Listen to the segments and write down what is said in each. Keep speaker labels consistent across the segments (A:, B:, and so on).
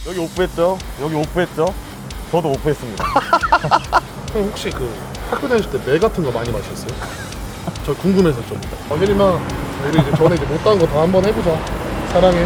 A: 여기 오프했죠? 여기 오프했죠? 저도 오프했습니다.
B: 형 혹시 그 학교 다닐 때 매 같은 거 많이 마셨어요? 저 궁금해서 좀. 혜림아, 우리 이제 전에 이제 못한 거 다 한번 해보자. 사랑해.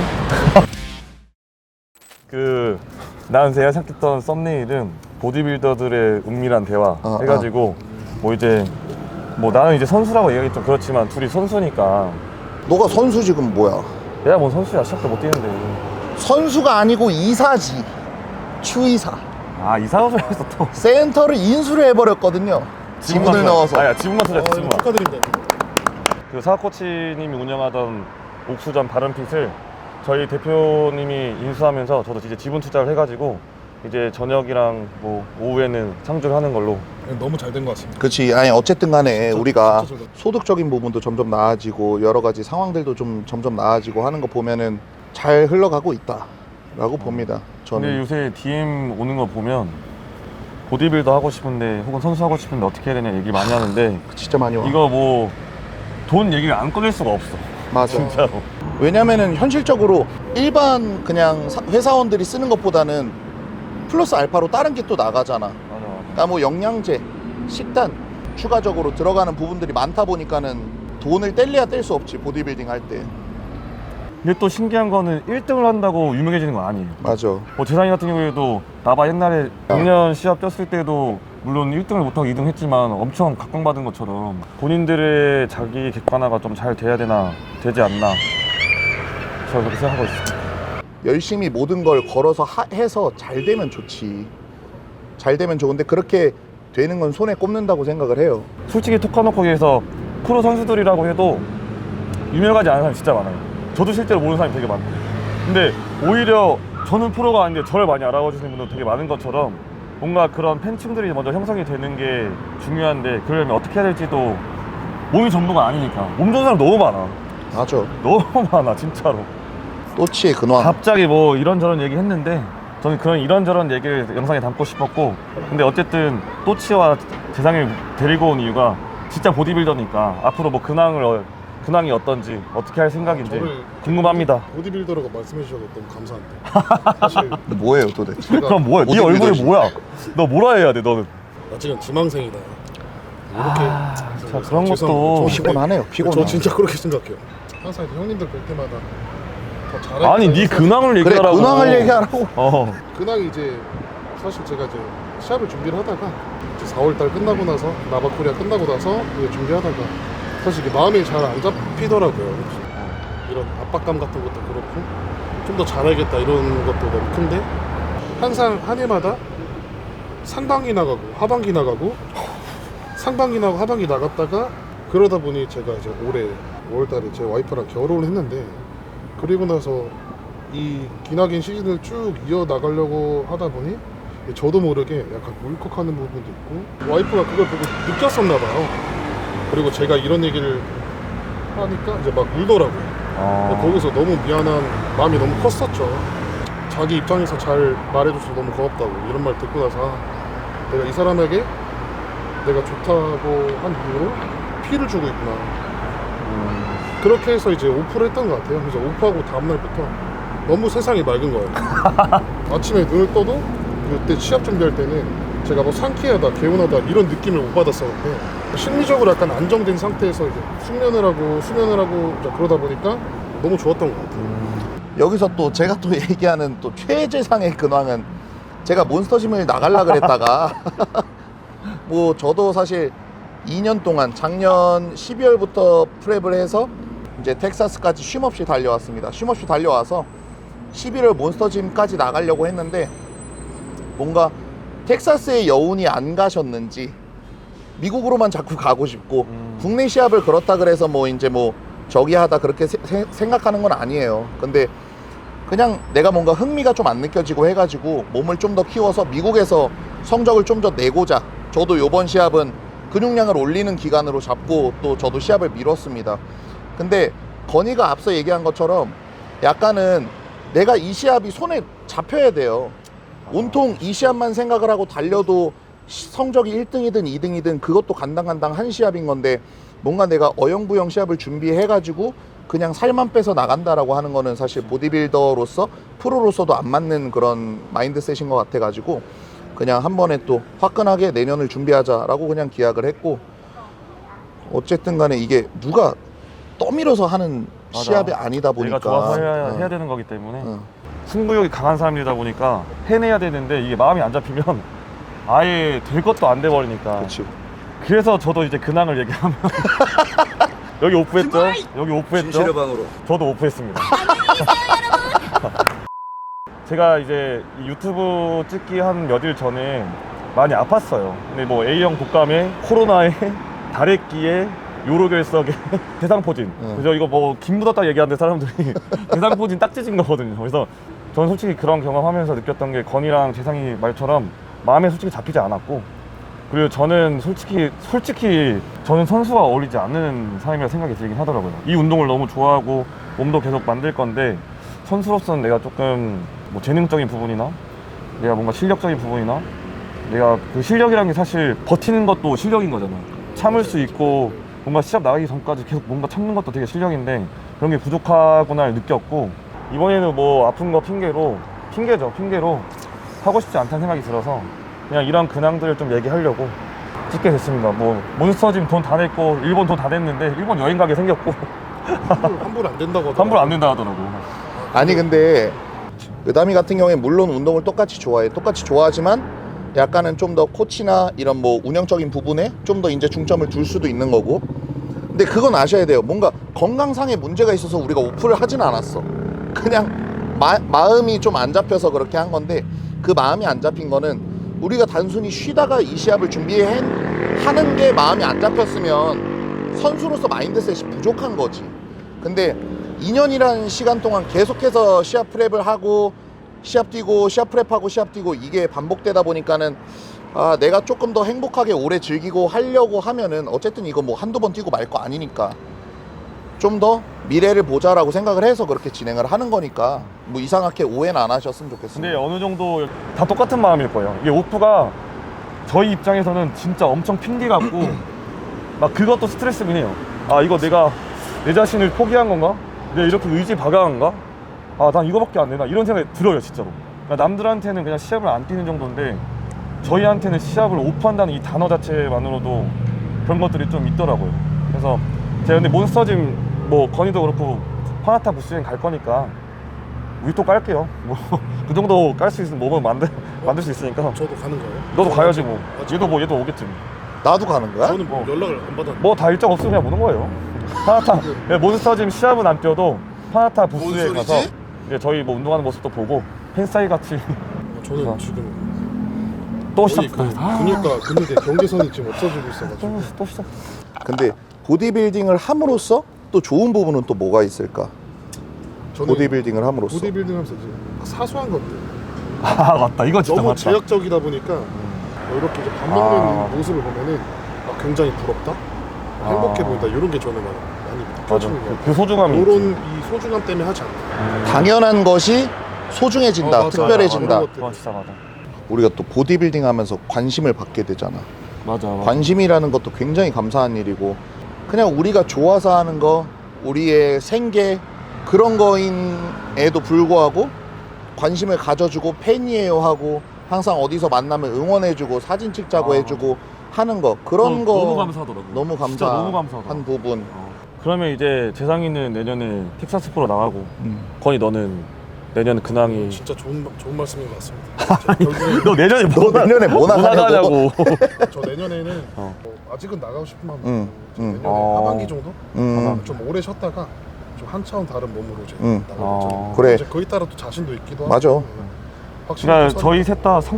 A: 나는 제가 생각했던 썸네일은 보디빌더들의 은밀한 대화 해가지고 뭐 이제 뭐 나는 이제 선수라고 얘기하기 좀 그렇지만 둘이 선수니까.
C: 너가 선수 지금 뭐야?
A: 내가 뭐 선수야, 시합도 못 뛰는데.
C: 선수가 아니고 이사지. 추이사.
A: 아, 이사우소에서 또
C: 센터를 인수를 해버렸거든요. 지분을 넣어서.
A: 아야, 지분만 투자했어. 지분만.
B: 축하드립니다.
A: 그 사학 코치님이 운영하던 옥수전 바른핏을 저희 대표님이 인수하면서 저도 이제 지분 투자를 해가지고 이제 저녁이랑 뭐 오후에는 창조를 하는 걸로.
B: 너무 잘 된 것 같습니다.
C: 그렇지. 아니 어쨌든 간에 우리가
B: 진짜 저도.
C: 소득적인 부분도 점점 나아지고 여러 가지 상황들도 좀 점점 나아지고 하는 거 보면은 잘 흘러가고 있다라고 봅니다.
A: 근데
C: 저는.
A: 요새 DM 오는 거 보면 보디빌더 하고 싶은데 혹은 선수 하고 싶은데 어떻게 해야 되냐 얘기 많이 하는데
C: 진짜 많이 와.
A: 이거 뭐 돈 얘기를 안 꺼낼 수가 없어.
C: 맞아.
A: 진짜로.
C: 왜냐면은 현실적으로 일반 그냥 회사원들이 쓰는 것보다는 플러스 알파로 다른 게 또 나가잖아.
A: 맞아.
C: 그러니까 뭐 영양제, 식단 추가적으로 들어가는 부분들이 많다 보니까는 돈을 뗄래야 뗄 수 없지, 보디빌딩 할 때.
A: 근데 또 신기한 거는 1등을 한다고 유명해지는 건 아니에요.
C: 맞아.
A: 뭐 재상이 같은 경우에도 나봐 옛날에 작년 시합 뛰었을 때도 물론 1등을 못하고 2등 했지만 엄청 각광받은 것처럼 본인들의 자기 객관화가 좀 잘 돼야 되지 않나 저는 그렇게 생각하고 있어요.
C: 열심히 모든 걸 걸어서 해서 잘 되면 좋지. 잘 되면 좋은데 그렇게 되는 건 손에 꼽는다고 생각을 해요.
A: 솔직히 토카노코기에서 프로 선수들이라고 해도 유명하지 않은 사람이 진짜 많아요. 저도 실제로 모르는 사람이 되게 많고. 근데 오히려 저는 프로가 아닌데 저를 많이 알아봐 주시는 분도 되게 많은 것처럼 뭔가 그런 팬층들이 먼저 형성이 되는 게 중요한데 그러려면 어떻게 해야 될지도 몸이 전부가 아니니까. 몸 좋은 사람 너무 많아.
C: 맞아.
A: 너무 많아 진짜로.
C: 또치의 근황.
A: 갑자기 뭐 이런저런 얘기 했는데 저는 그런 이런저런 얘기를 영상에 담고 싶었고, 근데 어쨌든 또치와 재상을 데리고 온 이유가 진짜 보디빌더니까 앞으로 뭐 근황이 어떤지 어떻게 할 생각인지
B: 저를
A: 궁금합니다.
B: 보디빌더라고 말씀해 주셔서 너무 감사한데. 사실
C: 뭐예요 도대체?
B: 제가
A: 그럼 뭐야? 네
C: 보디빌더지.
A: 얼굴이 뭐야? 너 뭐라 해야 돼 너는?
B: 나 지금 지망생이다. 이렇게.
A: 자, 그런 것도
B: 죄송합니다.
C: 피곤하네요. 피곤해.
B: 저 진짜 그렇게 생각해요. 항상 형님들 볼 때마다 더 잘해.
A: 아니 네 근황을
C: 그래,
A: 얘기하라고.
C: 근황을 얘기하라고.
B: 근황이 이제 사실 제가 이제 시합을 준비를 하다가 이제 4월달 끝나고 나서 나바코리아 끝나고 나서 이제 준비하다가 사실 이게 마음이 잘 안 잡히더라고요. 이런 압박감 같은 것도 그렇고 좀 더 잘하겠다 이런 것도 너무 큰데 항상 한 해마다 상반기 나가고 하반기 나가고 상반기 나가고 하반기 나갔다가 그러다 보니 제가 이제 올해 5월달에 제 와이프랑 결혼을 했는데 그리고 나서 이 기나긴 시즌을 쭉 이어나가려고 하다 보니 저도 모르게 약간 울컥하는 부분도 있고 와이프가 그걸 보고 느꼈었나 봐요. 그리고 제가 이런 얘기를 하니까 이제 막 울더라고요. 거기서 너무 미안한 마음이 너무 컸었죠. 자기 입장에서 잘 말해줘서 너무 고맙다고 이런 말 듣고 나서 아, 내가 이 사람에게 내가 좋다고 한 이유로 피를 주고 있구나. 그렇게 해서 이제 오프를 했던 것 같아요. 그래서 오프하고 다음날부터 너무 세상이 맑은 거예요. 아침에 눈을 떠도 그때 시합 준비할 때는 제가 뭐 상쾌하다, 개운하다 이런 느낌을 못 받았었는데 심리적으로 약간 안정된 상태에서 이제 수면을 하고 이제 그러다 보니까 너무 좋았던 것 같아요.
C: 여기서 또 제가 또 얘기하는 또 최재상의 근황은 제가 몬스터짐을 나가려 그랬다가 뭐 저도 사실 2년 동안 작년 12월부터 프랩을 해서 이제 텍사스까지 쉼없이 달려왔습니다. 쉼없이 달려와서 11월 몬스터짐까지 나가려고 했는데 뭔가 텍사스의 여운이 안 가셨는지 미국으로만 자꾸 가고 싶고 국내 시합을 그렇다 그래서 뭐 이제 뭐 저기 하다 그렇게 생각하는 건 아니에요. 근데 그냥 내가 뭔가 흥미가 좀 안 느껴지고 해가지고 몸을 좀 더 키워서 미국에서 성적을 좀 더 내고자 저도 요번 시합은 근육량을 올리는 기간으로 잡고 또 저도 시합을 미뤘습니다. 근데 건이가 앞서 얘기한 것처럼 약간은 내가 이 시합이 손에 잡혀야 돼요. 온통 이 시합만 생각을 하고 달려도 성적이 1등이든 2등이든 그것도 간당간당 한 시합인 건데 뭔가 내가 어영부영 시합을 준비해가지고 그냥 살만 빼서 나간다라고 하는 거는 사실 보디빌더로서 프로로서도 안 맞는 그런 마인드셋인 것 같아가지고 그냥 한 번에 또 화끈하게 내년을 준비하자라고 그냥 기약을 했고, 어쨌든 간에 이게 누가 떠밀어서 하는
A: 맞아.
C: 시합이 아니다 보니까
A: 내가 좋아서
C: 어.
A: 해야 되는 거기 때문에
C: 어.
A: 승부욕이 강한 사람이다 보니까 해내야 되는데 이게 마음이 안 잡히면 아예 될 것도 안 돼 버리니까.
C: 그렇지.
A: 그래서 저도 이제 근황을 얘기하면 여기 오프했죠? 여기 오프했죠?
C: 방으로.
A: 저도 오프했습니다. 제가 이제 이 유튜브 찍기 한 몇 일 전에 많이 아팠어요. 근데 뭐 A형 독감에 코로나에 다래끼에 요로결석에 대상포진. 그래서 이거 뭐 김 묻었다 얘기하는데 사람들이 대상포진 딱 찢은 거거든요. 그래서 저는 솔직히 그런 경험하면서 느꼈던 게 건이랑 재상이 말처럼 마음에 솔직히 잡히지 않았고, 그리고 저는 솔직히 저는 선수와 어울리지 않는 사람이라 생각이 들긴 하더라고요. 이 운동을 너무 좋아하고 몸도 계속 만들 건데 선수로서는 내가 조금 뭐 재능적인 부분이나 내가 뭔가 실력적인 부분이나 내가 그 실력이라는 게 사실 버티는 것도 실력인 거잖아. 참을 수 있고 뭔가 시합 나가기 전까지 계속 뭔가 참는 것도 되게 실력인데 그런 게 부족하구나 느꼈고, 이번에는 뭐 아픈 거 핑계로 하고 싶지 않다는 생각이 들어서 그냥 이런 근황들을 좀 얘기하려고 찍게 됐습니다. 뭐 몬스터짐 돈 다 냈고 일본 돈 다 냈는데 일본 여행 가게 생겼고
B: 환불 안 된다고 하더라고요.
A: 환불 안 된다 하더라고.
C: 아니 근데 의담이 같은 경우에 물론 운동을 똑같이 좋아하지만 약간은 좀 더 코치나 이런 뭐 운영적인 부분에 좀 더 이제 중점을 둘 수도 있는 거고, 근데 그건 아셔야 돼요. 뭔가 건강상의 문제가 있어서 우리가 오프를 하진 않았어. 그냥 마음이 좀 안 잡혀서 그렇게 한 건데, 그 마음이 안 잡힌 거는 우리가 단순히 쉬다가 이 시합을 하는 게 마음이 안 잡혔으면 선수로서 마인드셋이 부족한 거지. 근데 2년이라는 시간 동안 계속해서 시합 프랩을 하고 시합 뛰고 시합 프랩하고 시합 뛰고 이게 반복되다 보니까는 내가 조금 더 행복하게 오래 즐기고 하려고 하면은 어쨌든 이거 뭐 한두 번 뛰고 말 거 아니니까 좀 더 미래를 보자라고 생각을 해서 그렇게 진행을 하는 거니까 뭐 이상하게 오해는 안 하셨으면 좋겠습니다.
A: 근데 어느 정도 다 똑같은 마음일 거예요. 이게 오프가 저희 입장에서는 진짜 엄청 핑계 같고 막 그것도 스트레스긴 해요. 이거 내가 내 자신을 포기한 건가? 내가 이렇게 의지 박약한가? 난 이거밖에 안 되나? 이런 생각이 들어요, 진짜로. 그러니까 남들한테는 그냥 시합을 안 뛰는 정도인데 저희한테는 시합을 오프한다는 이 단어 자체만으로도 그런 것들이 좀 있더라고요. 그래서 제가 근데 몬스터짐 뭐 건이도 그렇고 파나타 부스행 갈 거니까 우리 또 깔게요. 뭐 그 정도 깔 수 있으면 몸은 만들 수 있으니까.
B: 저도 가는 거예요?
A: 너도 가야지 뭐. 얘도 오겠지.
C: 나도 가는 거야?
B: 저는 뭐 연락을 안 받았는데.
A: 뭐 다 일정 없으면 그냥 오는 거예요. 파나타 몬스터짐 시합은 안 뛰어도 파나타 부스에
C: 뭔
A: 가서
C: 소리지?
A: 이제 저희 뭐 운동하는 모습도 보고 팬사이 같이
B: 저는 지금
A: 또
B: 거의
A: 시작.
B: 근육의 경계선이 지금 없어지고 있어가지고.
A: 또 시작.
C: 근데 보디빌딩을 함으로써 또 좋은 부분은 또 뭐가 있을까?
B: 저는
C: 보디빌딩을 함으로써
B: 보디빌딩 하면서 이제 사소한 것들
A: 맞다. 이거 진짜
B: 너무
A: 맞다.
B: 제약적이다 보니까 이렇게 이제 밥 먹는 모습을 보면은 굉장히 부럽다, 행복해 보인다, 이런 게 저는 많이
A: 맞아.
B: 느껴지는 거예요.
A: 그 소중함이 있지.
B: 이런 이 소중함 때문에 하지 않나.
C: 당연한 것이 소중해진다,
B: 맞아,
C: 특별해진다.
B: 맞아, 맞아.
A: 진짜 맞아.
C: 우리가 또 보디빌딩 하면서 관심을 받게 되잖아.
A: 맞아.
C: 관심이라는 것도 굉장히 감사한 일이고, 그냥 우리가 좋아서 하는 거, 우리의 생계 그런 거인에도 불구하고 관심을 가져주고 팬이에요 하고 항상 어디서 만나면 응원해주고 사진 찍자고 해주고 하는 거, 그런 거
A: 너무 감사하더라고.
C: 너무
A: 진짜 너무 감사하더라고.
C: 감사한 부분.
A: 그러면 이제 재상이는 내년에 텍사스 프로 나가고 건이 너는 내년 근황이
B: 진짜 좋은 말씀인 것 같습니다. 결국에
A: 너 내년에 뭐
C: 너 내년에 뭐 나가냐고.
B: 저 내년에는 뭐 아직은 나가고 싶은 마음
C: 응, 응.
B: 내년에 하반기 정도 좀 오래 쉬었다가 좀 한 차원 다른 몸으로 이제 나가겠죠.
C: 그래.
B: 이제 거기 따라 또 자신도 있기도
C: 맞아.
B: 하고. 확실히
A: 그러니까
B: 또
A: 저희 셋 다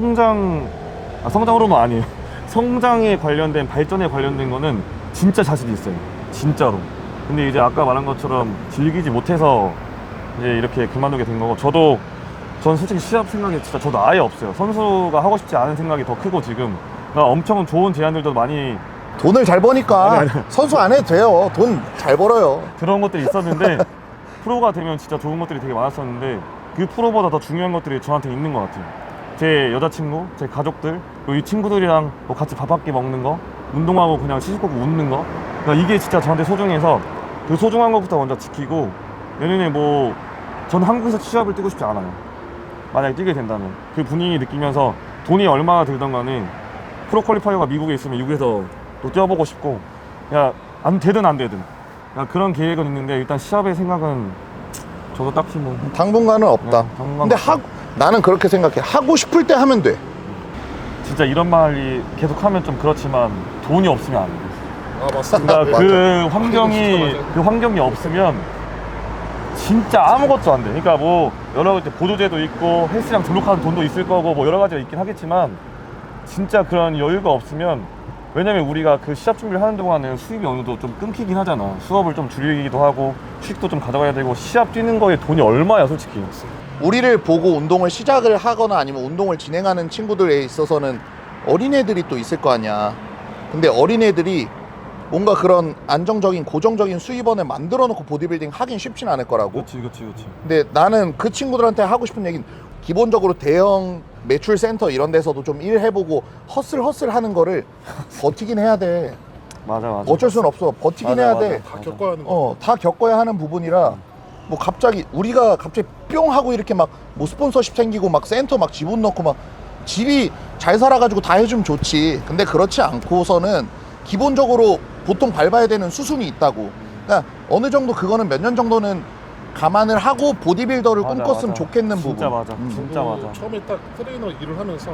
A: 성장으로만 아니에요. 성장에 관련된 발전에 관련된 거는 진짜 자신이 있어요. 진짜로. 근데 이제 아까 말한 것처럼 즐기지 못해서 이제 이렇게 그만두게 된 거고, 전 솔직히 시합 생각이 진짜 저도 아예 없어요. 선수가 하고 싶지 않은 생각이 더 크고 지금 그러니까 엄청 좋은 제안들도 많이
C: 돈을 잘 버니까 선수 안 해도 돼요. 돈 잘 벌어요.
A: 그런 것들이 있었는데 프로가 되면 진짜 좋은 것들이 되게 많았었는데 그 프로보다 더 중요한 것들이 저한테 있는 것 같아요. 제 여자친구, 제 가족들, 그리고 이 친구들이랑 뭐 같이 밥 한 끼 먹는 거, 운동하고 그냥 시시콜콜 웃는 거, 그러니까 이게 진짜 저한테 소중해서 그 소중한 것부터 먼저 지키고 내년에 뭐 전 한국에서 시합을 뛰고 싶지 않아요. 만약에 뛰게 된다면 그 분위기 느끼면서 돈이 얼마나 들던 간에 프로 퀄리파이어가 미국에 있으면 미국에서 또 뛰어보고 싶고 야 안 되든 안 되든 야, 그런 계획은 있는데 일단 시합의 생각은 저도 딱히 뭐
C: 당분간은 없다.
A: 네, 당분간은
C: 근데
A: 없다.
C: 나는 그렇게 생각해. 하고 싶을 때 하면 돼.
A: 진짜 이런 말이 계속하면 좀 그렇지만 돈이 없으면 안 돼.
B: 아 맞습니다.
A: 그러니까 그 환경이
B: 맞아요.
A: 그 환경이 없으면 진짜 아무것도 안 돼. 그러니까 뭐 여러 가지 보조제도 있고 헬스장 등록하는 돈도 있을 거고 뭐 여러 가지가 있긴 하겠지만 진짜 그런 여유가 없으면 왜냐면 우리가 그 시합 준비를 하는 동안은 수입이 어느 정도 좀 끊기긴 하잖아. 수업을 좀 줄이기도 하고 휴식도 좀 가져가야 되고 시합 뛰는 거에 돈이 얼마야 솔직히.
C: 우리를 보고 운동을 시작을 하거나 아니면 운동을 진행하는 친구들에 있어서는 어린애들이 또 있을 거 아니야. 근데 어린애들이 뭔가 그런 안정적인 고정적인 수입원을 만들어 놓고 보디빌딩 하긴 쉽진 않을 거라고.
A: 그렇지.
C: 근데 나는 그 친구들한테 하고 싶은 얘기는 기본적으로 대형 매출 센터 이런 데서도 좀 일해보고 허슬 하는 거를 버티긴 해야 돼.
A: 맞아.
C: 어쩔 수는 없어. 버티긴
A: 맞아,
C: 해야
A: 맞아.
C: 돼.
B: 다 겪어야 하는 거.
C: 다 겪어야 하는 부분이라 뭐 갑자기 우리가 갑자기 뿅 하고 이렇게 막 뭐 스폰서십 생기고 막 센터 막 지분 넣고 막 집이 잘 살아가지고 다 해주면 좋지. 근데 그렇지 않고서는 기본적으로 보통 밟아야 되는 수순이 있다고. 그러니까 어느 정도 그거는 몇 년 정도는 감안을 하고 보디빌더를
A: 맞아,
C: 꿈꿨으면
A: 맞아.
C: 좋겠는
A: 진짜
C: 부분.
A: 맞아. 진짜
B: 저도
A: 맞아.
B: 처음에 딱 트레이너 일을 하면서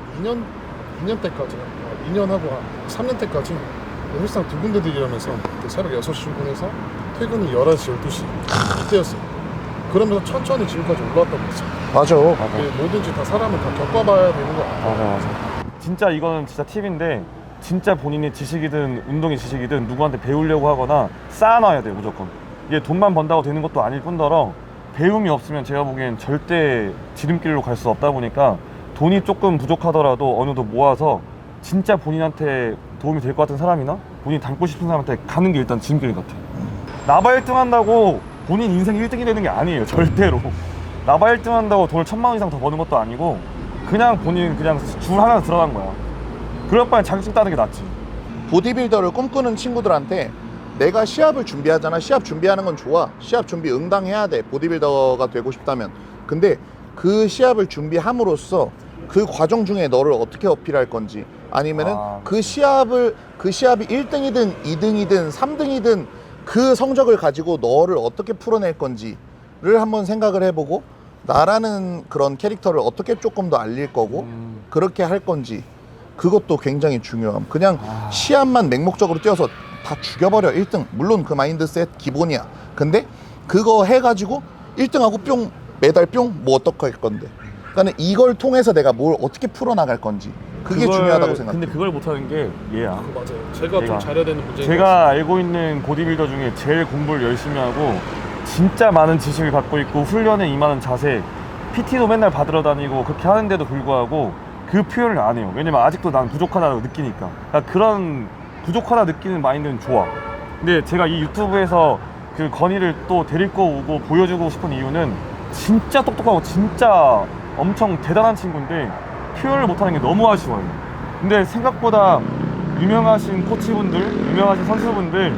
B: 한 2년 때까지 2년 하고 한 3년 때까지 헬스장 두 군데 들이라면서 새벽 6시 출근해서 퇴근이 11시, 12시 이때였어요. 그러면서 천천히 지금까지 올라왔다고 했어요.
C: 맞아.
B: 뭐든지 다 사람은 다 겪어봐야 되는 거 같아요.
A: 맞아. 진짜 이거는 진짜 팁인데 진짜 본인이 지식이든 운동의 지식이든 누구한테 배우려고 하거나 쌓아놔야 돼요 무조건. 이게 돈만 번다고 되는 것도 아닐 뿐더러 배움이 없으면 제가 보기엔 절대 지름길로 갈 수 없다 보니까 돈이 조금 부족하더라도 어느 정도 모아서 진짜 본인한테 도움이 될 것 같은 사람이나 본인이 닮고 싶은 사람한테 가는 게 일단 지름길 같아. 나바 1등 한다고 본인 인생 1등이 되는 게 아니에요 절대로. 나바 1등 한다고 돈을 1,000만 원 이상 더 버는 것도 아니고 그냥 본인 그냥 줄 하나 들어간 거야. 그럴 바엔 자격증 따는 게 낫지.
C: 보디빌더를 꿈꾸는 친구들한테 내가 시합을 준비하잖아. 시합 준비하는 건 좋아. 시합 준비 응당해야 돼. 보디빌더가 되고 싶다면. 근데 그 시합을 준비함으로써 그 과정 중에 너를 어떻게 어필할 건지 아니면은 그 시합이 1등이든 2등이든 3등이든 그 성적을 가지고 너를 어떻게 풀어낼 건지를 한번 생각을 해보고 나라는 그런 캐릭터를 어떻게 조금 더 알릴 거고 그렇게 할 건지 그것도 굉장히 중요함. 그냥 시합만 맹목적으로 뛰어서 다 죽여버려 1등. 물론 그 마인드셋 기본이야. 근데 그거 해가지고 1등하고 뿅 메달 뿅 뭐 어떡할 건데. 그러니까 이걸 통해서 내가 뭘 어떻게 풀어나갈 건지 그게 중요하다고 생각해.
A: 근데 그걸 못하는 게 얘야.
B: 맞아요. 제가
A: 얘가.
B: 좀 잘해야 되는 문제인
A: 제가 알고 있는 보디빌더 중에 제일 공부를 열심히 하고 진짜 많은 지식을 갖고 있고 훈련에 임하는 자세 PT도 맨날 받으러 다니고 그렇게 하는데도 불구하고 그 표현을 안 해요. 왜냐면 아직도 난 부족하다고 느끼니까. 그러니까 그런 부족하다 느끼는 마인드는 좋아. 근데 제가 이 유튜브에서 그 건의를 또 데리고 오고 보여주고 싶은 이유는 진짜 똑똑하고 진짜 엄청 대단한 친구인데 표현을 못하는 게 너무 아쉬워요. 근데 생각보다 유명하신 코치분들, 유명하신 선수분들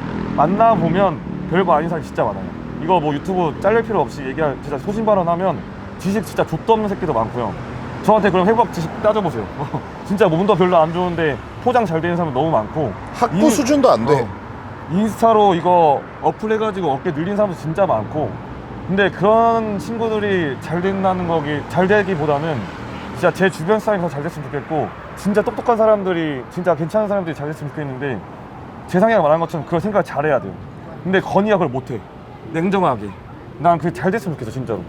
A: 만나보면 별거 아닌 사람이 진짜 많아요. 이거 뭐 유튜브 잘릴 필요 없이 얘기할 진짜 소신 발언하면 지식 진짜 족도 없는 새끼도 많고요. 저한테 그럼 회복 지식 따져보세요. 진짜 몸도 별로 안 좋은데 포장 잘 되는 사람 너무 많고
C: 학부 수준도 안 돼.
A: 인스타로 이거 어플해가지고 어깨 늘린 사람도 진짜 많고 근데 그런 친구들이 잘 된다는 거기 잘 되기보다는 진짜 제 주변 사람이 더 잘 됐으면 좋겠고 진짜 똑똑한 사람들이 진짜 괜찮은 사람들이 잘 됐으면 좋겠는데 재상이가 말한 것처럼 그걸 생각을 잘해야 돼요. 근데 건이가 그걸 못해. 냉정하게 난 그게 잘 됐으면 좋겠어 진짜로.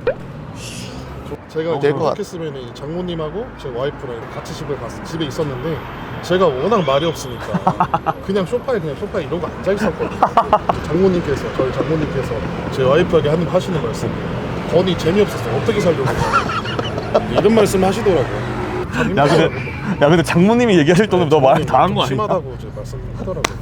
B: 제가
C: 될것 같아.
B: 생각했으면 장모님하고 제 와이프랑 같이 집에 있었는데 제가 워낙 말이 없으니까 그냥 소파에 이러고 앉아 있었거든요. 저희 장모님께서 제 와이프에게 하시는 말씀, 건이 재미없었어. 어떻게 살려고 이런 말씀 하시더라고요.
A: 야 근데 장모님이 얘기하실 정도면 너 말 다 한 거 아니야?
B: 심하다고 제 말씀하더라고요.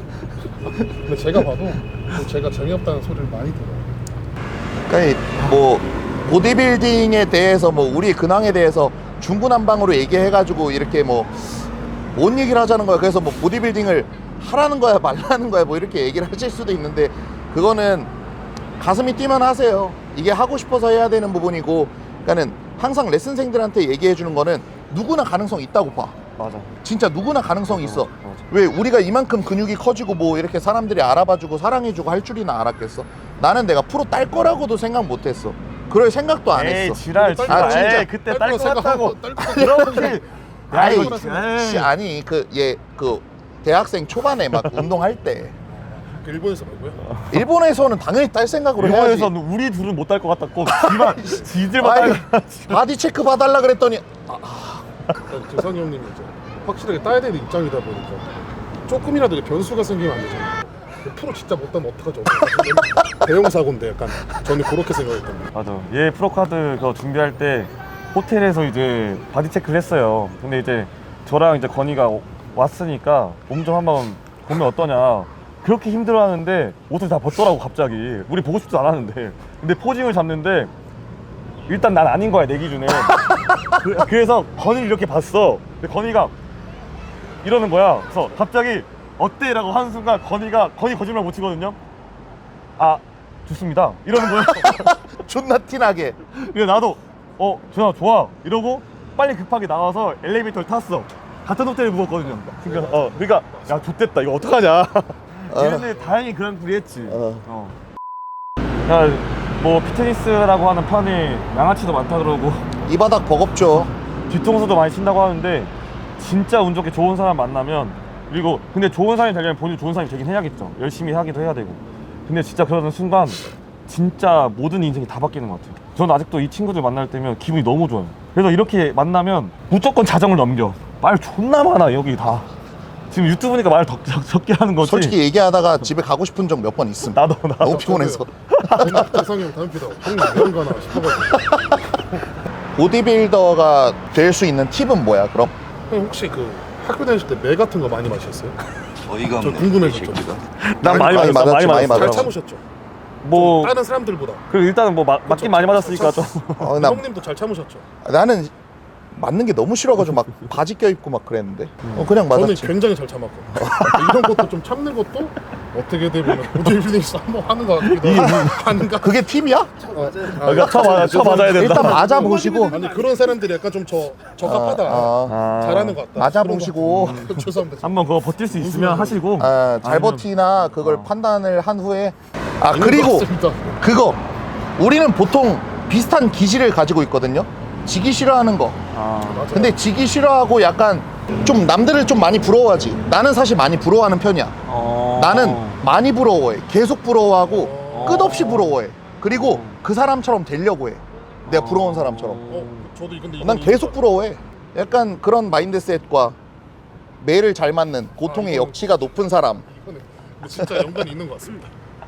B: 근데 제가 봐도 제가 재미없다는 소리를 많이 들어요.
C: 그러니까 뭐 보디빌딩에 대해서 뭐 우리 근황에 대해서 중구난방으로 얘기해가지고 이렇게 뭔 얘기를 하자는 거야. 그래서 뭐 보디빌딩을 하라는 거야 말라는 거야 뭐 이렇게 얘기를 하실 수도 있는데 그거는 가슴이 뛰면 하세요. 이게 하고 싶어서 해야 되는 부분이고, 그러니까는 항상 레슨생들한테 얘기해 주는 거는 누구나 가능성 있다고 봐.
A: 맞아.
C: 진짜 누구나 가능성 있어.
A: 맞아.
C: 왜 우리가 이만큼 근육이 커지고 뭐 이렇게 사람들이 알아봐주고 사랑해주고 할 줄이나 알았겠어? 나는 내가 프로 딸 거라고도 생각 못했어. 그럴 생각도 안
A: 에이
C: 했어.
A: 지랄 지랄.
C: 아, 진짜.
A: 에이, 그때 딸 것
B: 생각하고
A: 같다고.
B: 딸 것
A: 그렇지. 야
C: 아이,
A: 이거
C: 아니 그 대학생 초반에 막 운동할 때
B: 일본에서 말고요.
C: 일본에서는 당연히 딸 생각으로 해야지.
A: 일본에서는 우리 둘은 못 딸 것 같았고 지들만
C: 아이,
A: 딸.
C: 바디 체크 봐달라 그랬더니
B: 그러니까 재상이 형님이 이제 확실하게 따야 되는 입장이다 보니까 조금이라도 변수가 생기면 안 되잖아요. 프로 진짜 못 따면 어떡하죠? 대형 사고인데 약간 저는 그렇게 생각했던 거예요.
A: 맞아. 얘 프로카드 그거 준비할 때 호텔에서 이제 바디 체크를 했어요. 근데 이제 저랑 이제 건이가 왔으니까 몸 좀 한번 보면 어떠냐. 그렇게 힘들어하는데 옷을 다 벗더라고 갑자기. 우리 보고 싶지도 않았는데. 근데 포징을 잡는데 일단 난 아닌 거야 내 기준에. 그래서 건이를 이렇게 봤어. 근데 건이가 이러는 거야. 그래서 갑자기 어때? 라고 하는 순간 건이 거짓말 못 치거든요. 아 좋습니다 이러는 거야.
C: 존나 티나게.
A: 그래서 나도 전화 좋아 이러고 빨리 급하게 나와서 엘리베이터를 탔어. 같은 호텔에 묵었거든요. 그러니까 야 좋댔다 이거 어떡하냐. 이랬는데 다행히 그랑프리 했지. 야뭐 피트니스라고 하는 판에 양아치도 많다 그러고
C: 이 바닥 버겁죠.
A: 뒤통수도 많이 친다고 하는데 진짜 운 좋게 좋은 사람 만나면, 그리고 근데 좋은 사람이 되려면 본인 좋은 사람이 되긴 해야겠죠. 열심히 하기도 해야 되고. 근데 진짜 그러는 순간 진짜 모든 인생이 다 바뀌는 것 같아요. 저는 아직도 이 친구들 만날 때면 기분이 너무 좋아요. 그래서 이렇게 만나면 무조건 자정을 넘겨. 말 존나 많아 여기 다. 지금 유튜브니까 말 적게 하는 거지.
C: 솔직히 얘기하다가 집에 가고 싶은 적 몇 번 있음.
A: 나도
C: 너무 피곤해서.
B: 재상이 형 다음 피다. 형님 왜 가나 싶어가지고.
C: 보디빌더가 될 수 있는 팁은 뭐야 그럼?
B: 형 혹시 그 학교 다니실 때 매 같은 거 많이 마셨어요?
D: 어이가
B: 저
D: 없네.
B: 궁금해졌죠.
A: 난 많이
C: 많이
A: 맞았어.
C: 맞았지, 많이
B: 잘
C: 맞았어.
B: 참으셨죠?
A: 뭐
B: 다른 사람들보다.
A: 그 일단은 뭐 맞긴 많이 맞았으니까 좀.
B: 형님도 잘 참으셨죠?
C: 나는 맞는 게 너무 싫어가지고 막 바지 껴입고 막 그랬는데 그냥
B: 저는
C: 맞았지.
B: 굉장히 잘 참았고 이런 것도 좀 참는 것도 어떻게 보면 보디빌딩 한번 하는 것 같기도 하는가?
C: 그게 팁이야?
A: 그러니까 쳐 맞아야 된다.
C: 일단 맞아 보시고
B: 아니 그런 사람들이 약간 좀 적합하다. 잘하는 것 같다.
C: 맞아 보시고
B: 죄송합니다.
A: 한번 그거 버틸 수 있으면 하시고.
C: 잘
A: 아니면-
C: 버티나 그걸 판단을 한 후에
B: 아닌 것
C: 그리고
B: 같습니다.
C: 그거 우리는 보통 비슷한 기질을 가지고 있거든요. 지기 싫어하는 거.
B: 맞아요.
C: 근데 지기 싫어하고 약간 좀 남들을 좀 많이 부러워하지. 나는 사실 많이 부러워하는 편이야. 나는 많이 부러워해. 계속 부러워하고 끝없이 부러워해. 그리고 그 사람처럼 되려고 해. 내가 부러운 사람처럼.
B: 저도 근데
C: 난
B: 이거는
C: 계속 부러워해. 약간 그런 마인드셋과 매를 잘 맞는 고통의
B: 이거는-
C: 역치가 높은 사람.
B: 이거는 근데 진짜 연관이 있는 것 같습니다.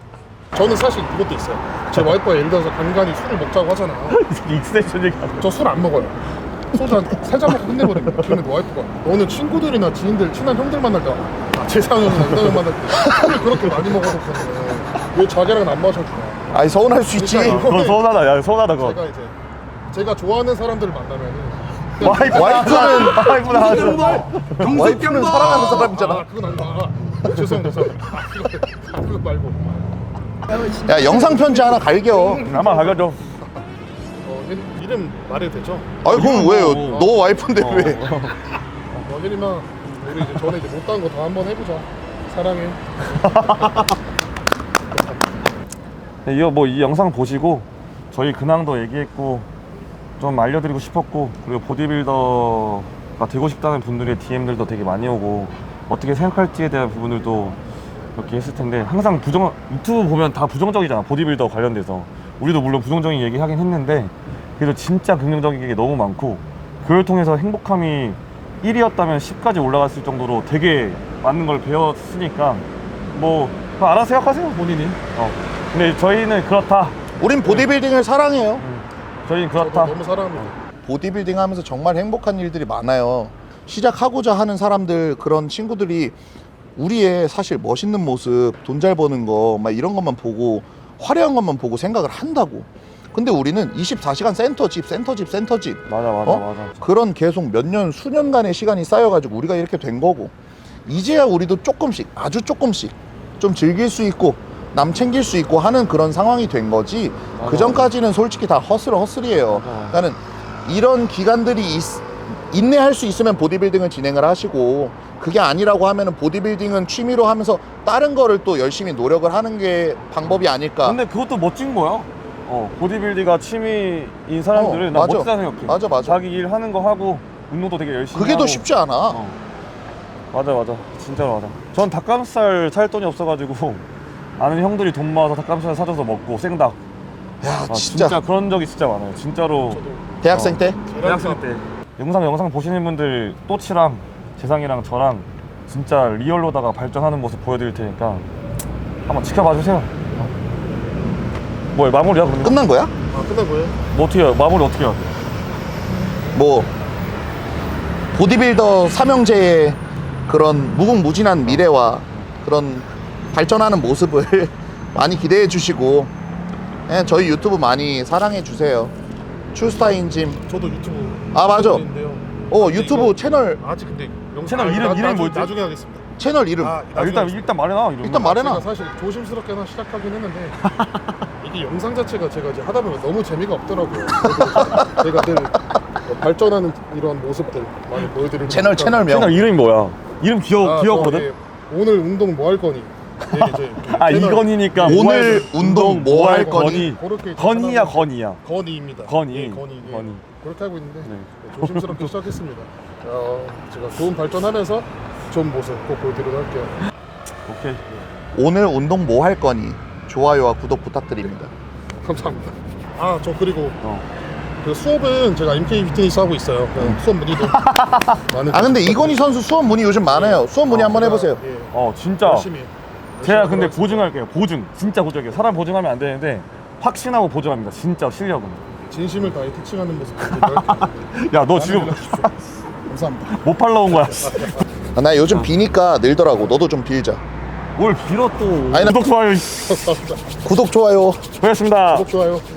B: 저는 사실 그것도 있어요. 제 와이프가 예를 들어서 간간히 술을 먹자고 하잖아요.
A: 익스텐션 얘기하고.
B: 저 술 안 먹어요. 소주 한 3잔 먹고 끝내버립니다. 그러면 와이프가 너는 친구들이나 지인들, 친한 형들 만날 때 재상형이나 이런 만날 때 술을 그렇게 많이 먹어도 왜 자기랑은 안 마셔주냐.
C: 아니 서운할 수 있지.
B: 그러니까
A: 그거 서운하다. 야 서운하다 그거.
B: 제가 좋아하는 사람들을 만나면은
C: 와이프는
A: 와이프는
C: 와이프는 사랑하는 사람이잖아.
B: 아 그건 아니다. 죄송합니다. 그거 말고.
C: 야 영상 편지 하나 갈겨.
A: 아마 가가죠.
B: 이름 말해도 되죠?
C: 아니 그럼 왜요? 너 와이프인데 왜?
B: 혜림아 우리 이제 전에 이제 못한 거 다 한번 해보자. 사랑해.
A: 네, 이 영상 보시고 저희 근황도 얘기했고 좀 알려드리고 싶었고, 그리고 보디빌더가 되고 싶다는 분들의 DM들도 되게 많이 오고 어떻게 생각할지에 대한 부분들도 이렇게 했을 텐데, 항상 유튜브 보면 다 부정적이잖아. 보디빌더 관련돼서 우리도 물론 부정적인 얘기 하긴 했는데 그래도 진짜 긍정적인 게 너무 많고, 그걸 통해서 행복함이 1이었다면 10까지 올라갔을 정도로 되게 많은 걸 배웠으니까 뭐 그거 알아서 생각하세요 본인이. 근데 저희는 그렇다.
C: 우린 보디빌딩을 사랑해요.
A: 저희는
B: 저도
A: 그렇다.
B: 너무 사랑합니다.
C: 보디빌딩 하면서 정말 행복한 일들이 많아요. 시작하고자 하는 사람들, 그런 친구들이 우리의 사실 멋있는 모습, 돈 잘 버는 거 막 이런 것만 보고 화려한 것만 보고 생각을 한다고. 근데 우리는 24시간 센터집
A: 맞아.
C: 그런 계속 몇 년 수년간의 시간이 쌓여가지고 우리가 이렇게 된 거고, 이제야 우리도 조금씩, 아주 조금씩 좀 즐길 수 있고 남 챙길 수 있고 하는 그런 상황이 된 거지.
A: 맞아.
C: 그 전까지는 솔직히 다 허슬이에요.
A: 맞아.
C: 그러니까는 이런 기간들이 인내할 수 있으면 보디빌딩을 진행을 하시고, 그게 아니라고 하면은 보디빌딩은 취미로 하면서 다른 거를 또 열심히 노력을 하는 게 방법이 아닐까.
A: 근데 그것도 멋진 거야. 보디빌딩가 취미인 사람들은 나
C: 맞아.
A: 멋지다 생각해.
C: 맞아.
A: 자기 일 하는 거 하고 운동도 되게 열심히
C: 그게
A: 하고.
C: 더 쉽지 않아.
A: 맞아. 진짜로 맞아. 전 닭가슴살 살 돈이 없어가지고 아는 형들이 돈 모아서 닭가슴살 사줘서 먹고 생닭.
C: 야,
A: 진짜 그런 적이 진짜 많아요. 진짜로.
C: 대학생 때?
A: 대학생 때. 영상 보시는 분들 또치랑 재상이랑 저랑 진짜 리얼로다가 발전하는 모습 보여드릴 테니까 한번 지켜봐 주세요. 뭐야, 마무리야 그러면?
C: 끝난 거야?
B: 아, 끝난 거예요?
A: 뭐 어떻게 해요? 마무리 어떻게 해요?
C: 뭐 보디빌더 삼형제의 그런 무궁무진한 미래와 그런 발전하는 모습을 많이 기대해 주시고, 저희 유튜브 많이 사랑해 주세요. 출스타인짐.
B: 저도 유튜브.
C: 아, 맞아.
B: 있는데요.
C: 유튜브
B: 이거
C: 채널
B: 아직 근데
A: 채널 이름이 뭐였지?
B: 나중에 하겠습니다.
C: 채널 이름.
A: 일단 말해놔. 이러면.
C: 일단 말해놔.
B: 제가 사실 조심스럽게 하나 시작하긴 했는데 이게 영상 자체가 제가 이제 하다 보면 너무 재미가 없더라고요. 그래서 제가 늘 발전하는 이런 모습들 많이 보여드리고
C: 채널명.
A: 채널 이름이 뭐야? 이름 귀엽거든?
B: 오늘 운동 뭐 할 거니? 이게 이제 채널
A: 이건희니까
C: 오늘 운동 뭐 할 거니?
B: 그렇게
A: 건희야 건희야.
B: 건이입니다.
A: 건이.
B: 예, 건이. 예.
A: 건이.
B: 그렇게 하고 있는데
A: 네.
B: 조심스럽게 시작했습니다. 제가 좋은 발전하면서 좋은 모습 꼭 보여드리도록 할게요.
A: 오케이.
C: 오늘 운동 뭐 할 거니? 좋아요와 구독 부탁드립니다.
B: 감사합니다. 저 그리고
A: 어.
B: 그 수업은 제가 MK 피트니스 하고 있어요. 수업 문의도 많은.
C: 근데 이건희 선수 수업 문의 요즘 많아요. 수업 문의 한번 해보세요.
B: 예,
A: 진짜.
B: 열심히.
A: 제가 근데
B: 하도록
A: 보증할게요. 보증. 진짜 보증해요. 사람 보증하면 안 되는데 확신하고 보증합니다. 진짜 실력은.
B: 진심을 다해 티칭하는 모습 보여드릴게요.
A: 야, 너 지금
B: 감사합니다.
A: 못 팔러 온 거야.
C: 나 요즘 비니까 늘더라고. 너도 좀 빌자.
A: 뭘 빌어 또.
C: 아니, 나-
A: 구독, 좋아요.
B: 감사합니다.
C: 구독, 좋아요.
A: 고맙습니다.
B: 구독 좋아요.